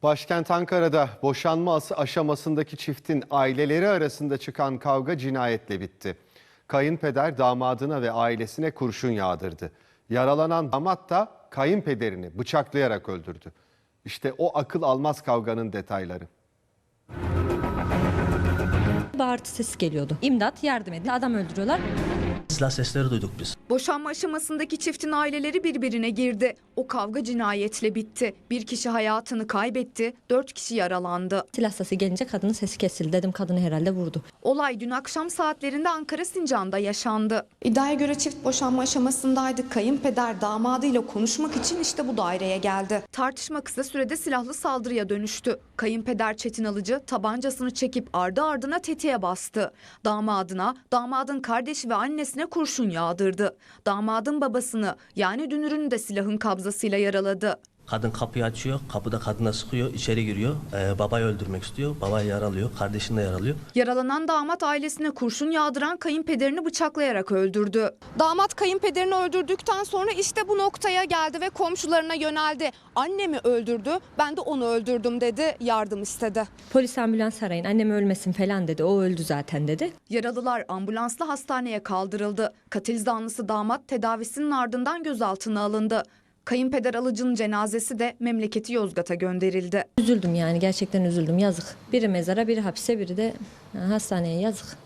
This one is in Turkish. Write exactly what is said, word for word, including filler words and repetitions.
Başkent Ankara'da boşanma aşamasındaki çiftin aileleri arasında çıkan kavga cinayetle bitti. Kayınpeder damadına ve ailesine kurşun yağdırdı. Yaralanan damat da kayınpederini bıçaklayarak öldürdü. İşte o akıl almaz kavganın detayları. Bağırtı sesi geliyordu. İmdat, yardım edin, adam öldürüyorlar. Silah sesleri duyduk biz. Boşanma aşamasındaki çiftin aileleri birbirine girdi. O kavga cinayetle bitti. Bir kişi hayatını kaybetti, dört kişi yaralandı. Silah sesi gelince kadının sesi kesildi. Dedim kadını herhalde vurdu. Olay dün akşam saatlerinde Ankara Sincan'da yaşandı. İddiaya göre çift boşanma aşamasındaydı. Kayınpeder damadıyla konuşmak için işte bu daireye geldi. Tartışma kısa sürede silahlı saldırıya dönüştü. Kayınpeder Çetin Alıcı tabancasını çekip ardı ardına tetiğe bastı. Damadına, damadın kardeşi ve annesine kurşun yağdırdı. Damadın babasını yani dünürünü de silahın kabzasıyla yaraladı. Kadın kapıyı açıyor, kapıda kadına sıkıyor, içeri giriyor. Ee, babayı öldürmek istiyor, babayı yaralıyor, kardeşini de yaralıyor. Yaralanan damat ailesine kurşun yağdıran kayınpederini bıçaklayarak öldürdü. Damat kayınpederini öldürdükten sonra işte bu noktaya geldi ve komşularına yöneldi. Annemi öldürdü, ben de onu öldürdüm dedi, yardım istedi. Polis ambulans arayın, annem ölmesin falan dedi. O öldü zaten dedi. Yaralılar ambulansla hastaneye kaldırıldı. Katil zanlısı damat tedavisinin ardından gözaltına alındı. Kayınpeder Alıcı'nın cenazesi de memleketi Yozgat'a gönderildi. Üzüldüm yani, gerçekten üzüldüm, yazık. Biri mezara, biri hapse, biri de hastaneye, yazık.